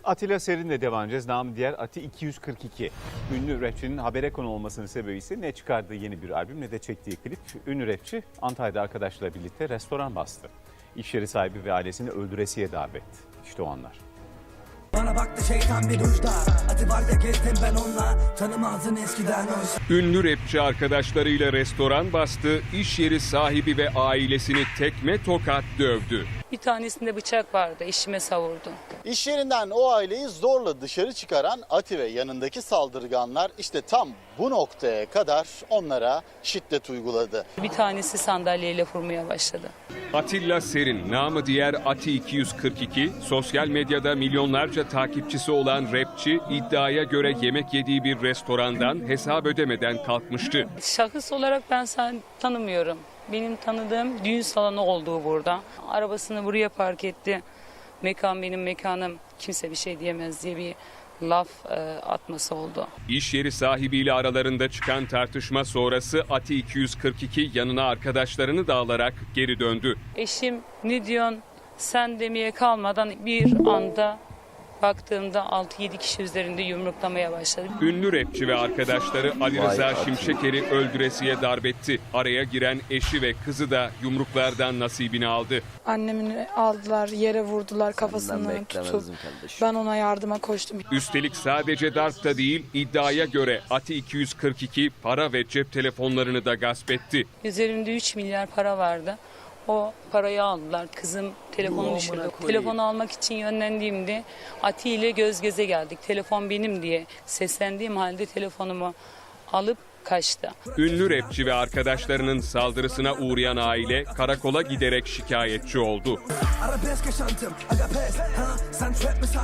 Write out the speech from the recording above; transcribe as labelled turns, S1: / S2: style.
S1: Atilla Serin'le devam edeceğiz. Namı diğer Ati 242. Ünlü rapçinin habere konu olmasının sebebi ise ne çıkardığı yeni bir albüm ne de çektiği klip. Ünlü rapçi Antalya'da arkadaşlarıyla birlikte restoran bastı. İş yeri sahibi ve ailesini öldüresiye davet. İşte o anlar.
S2: Bana baktı şeytan bir uçta. Atı var da gezdim ben onunla. Tanımazdın eskiden oysa.
S3: Ünlü rapçi arkadaşlarıyla restoran bastı, iş yeri sahibi ve ailesini tekme tokat dövdü.
S4: Bir tanesinde bıçak vardı, eşime savurdu.
S5: İş yerinden o aileyi zorla dışarı çıkaran Ati ve yanındaki saldırganlar işte tam bu noktaya kadar onlara şiddet uyguladı.
S4: Bir tanesi sandalyeyle vurmaya başladı.
S3: Atilla Serin, namı diğer Ati 242, sosyal medyada milyonlarca takipçisi olan rapçi iddiaya göre yemek yediği bir restorandan hesap ödemeden kalkmıştı.
S4: Şahıs olarak ben sen tanımıyorum. Benim tanıdığım düğün salonu olduğu burada. Arabasını buraya park etti. Mekan benim mekanım, kimse bir şey diyemez diye bir laf atması oldu.
S3: İş yeri sahibiyle aralarında çıkan tartışma sonrası Ati 242 yanına arkadaşlarını da alarak geri döndü.
S4: Eşim ne diyorsun sen demeye kalmadan bir anda baktığımda 6-7 kişi üzerinde yumruklamaya başladı.
S3: Ünlü rapçi ve arkadaşları Ali Rıza Şimşeker'i öldüresiye darbetti. Araya giren eşi ve kızı da yumruklardan nasibini aldı.
S6: Annemini aldılar, yere vurdular kafasını tutup. Ben ona yardıma koştum.
S3: Üstelik sadece darp da değil, iddiaya göre Ati 242 para ve cep telefonlarını da gasp etti.
S4: Üzerimde 3 milyar para vardı. O parayı aldılar. Kızım telefonu düşürdü. Telefonu almak için yönlendiğimde Ati ile göz göze geldik. Telefon benim diye seslendiğim halde telefonumu alıp kaçtı.
S3: Ünlü rapçi ve arkadaşlarının saldırısına uğrayan aile karakola giderek şikayetçi oldu.
S2: Arabesk yaşantım, aga pes, ha? Sen trap mi